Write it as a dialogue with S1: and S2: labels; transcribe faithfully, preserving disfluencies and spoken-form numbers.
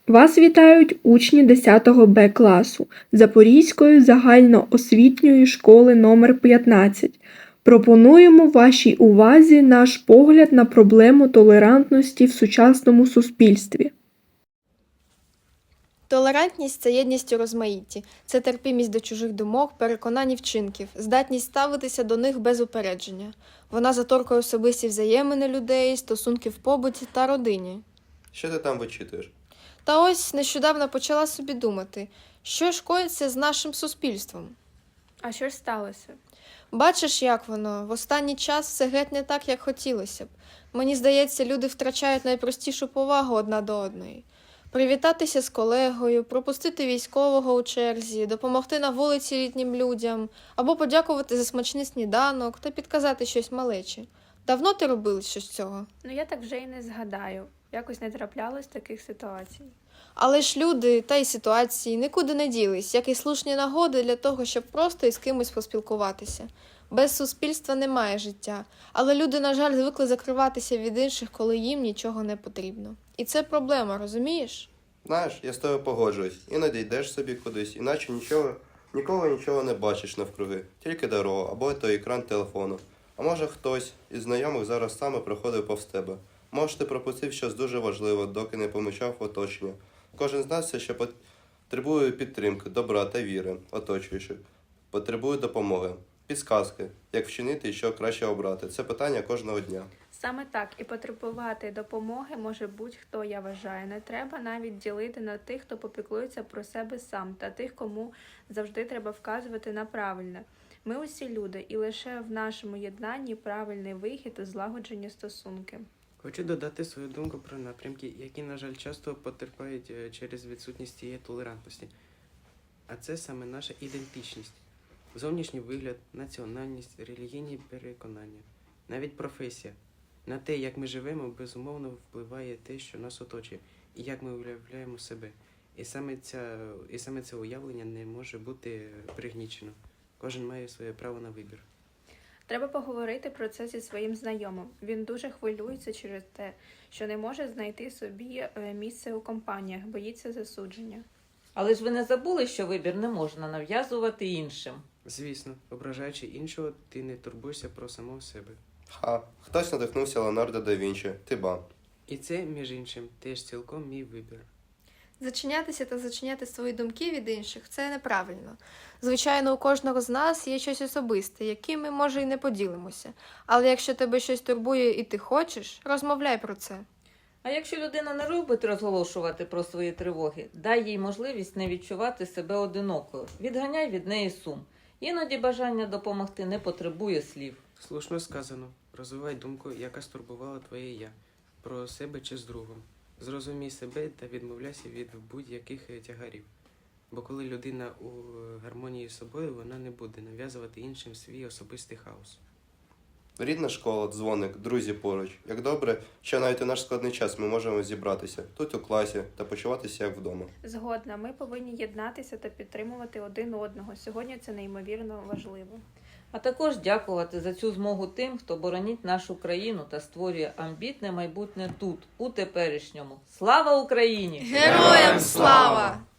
S1: Вас вітають учні десятого Б класу Запорізької загальноосвітньої школи номер п'ятнадцять. Пропонуємо вашій увазі наш погляд на проблему толерантності в сучасному суспільстві.
S2: Толерантність – це єдність у розмаїтті. Це терпімість до чужих думок, переконань і вчинків, здатність ставитися до них без упередження. Вона заторкує особисті взаємини людей, стосунки в побуті та родині.
S3: Що ти там вичитуєш?
S2: Та ось нещодавно почала собі думати, що ж коїться з нашим суспільством.
S4: А що ж сталося?
S2: Бачиш, як воно, в останній час все геть не так, як хотілося б. Мені здається, люди втрачають найпростішу повагу одна до одної. Привітатися з колегою, пропустити військового у черзі, допомогти на вулиці літнім людям, або подякувати за смачний сніданок та підказати щось малечі. Давно ти робила щось цього?
S4: Ну я так вже і не згадаю. Якось не траплялось таких ситуацій.
S2: Але ж люди та й ситуації нікуди не ділись, як і слушні нагоди для того, щоб просто із кимось поспілкуватися. Без суспільства немає життя, але люди, на жаль, звикли закриватися від інших, коли їм нічого не потрібно. І це проблема, розумієш?
S3: Знаєш, я з тобою погоджуюсь. Іноді йдеш собі кудись, іначе нічого, нікого нічого не бачиш навкруги. Тільки дорогу або той екран телефону. А може хтось із знайомих зараз саме проходив повз тебе. Може ти пропустив щось дуже важливе, доки не помічав оточення. Кожен з нас все ще потребує підтримки, добра та віри, оточуючих. Потребує допомоги, підсказки, як вчинити і що краще обрати. Це питання кожного дня.
S4: Саме так, і потребувати допомоги може будь-хто, я вважаю. Не треба навіть ділити на тих, хто попіклується про себе сам, та тих, кому завжди треба вказувати на правильне. Ми усі люди, і лише в нашому єднанні правильний вихід і злагоджені стосунки.
S5: Хочу додати свою думку про напрямки, які, на жаль, часто потерпають через відсутність цієї толерантності. А це саме наша ідентичність. Зовнішній вигляд, національність, релігійні переконання, навіть професія. На те, як ми живемо, безумовно впливає те, що нас оточує, і як ми уявляємо себе. І саме, ця, і саме це уявлення не може бути пригнічено. Кожен має своє право на вибір.
S4: Треба поговорити про це зі своїм знайомим. Він дуже хвилюється через те, що не може знайти собі місце у компаніях, боїться засудження.
S6: Але ж ви не забули, що вибір не можна нав'язувати іншим?
S5: Звісно, ображаючи іншого, ти не турбуєшся про самого себе.
S3: Ха, хтось надихнувся Леонардо да Вінчі, ти ба.
S5: І це, між іншим, теж цілком мій вибір.
S2: Зачинятися та зачиняти свої думки від інших – це неправильно. Звичайно, у кожного з нас є щось особисте, яким ми, може, і не поділимося. Але якщо тебе щось турбує і ти хочеш, розмовляй про це.
S6: А якщо людина не любить розголошувати про свої тривоги, дай їй можливість не відчувати себе одинокою. Відганяй від неї сум. Іноді бажання допомогти не потребує слів.
S5: Слушно сказано. Розвивай думку, яка стурбувала твоє «я», про себе чи з другом. Зрозумій себе та відмовляйся від будь-яких тягарів. Бо коли людина у гармонії з собою, вона не буде нав'язувати іншим свій особистий хаос.
S3: Рідна школа, дзвоник, друзі поруч. Як добре, що навіть у наш складний час ми можемо зібратися тут у класі та почуватися як вдома.
S4: Згодна, ми повинні єднатися та підтримувати один одного. Сьогодні це неймовірно важливо.
S6: А також дякувати за цю змогу тим, хто боронить нашу країну та створює амбітне майбутнє тут, у теперішньому. Слава Україні!
S2: Героям слава!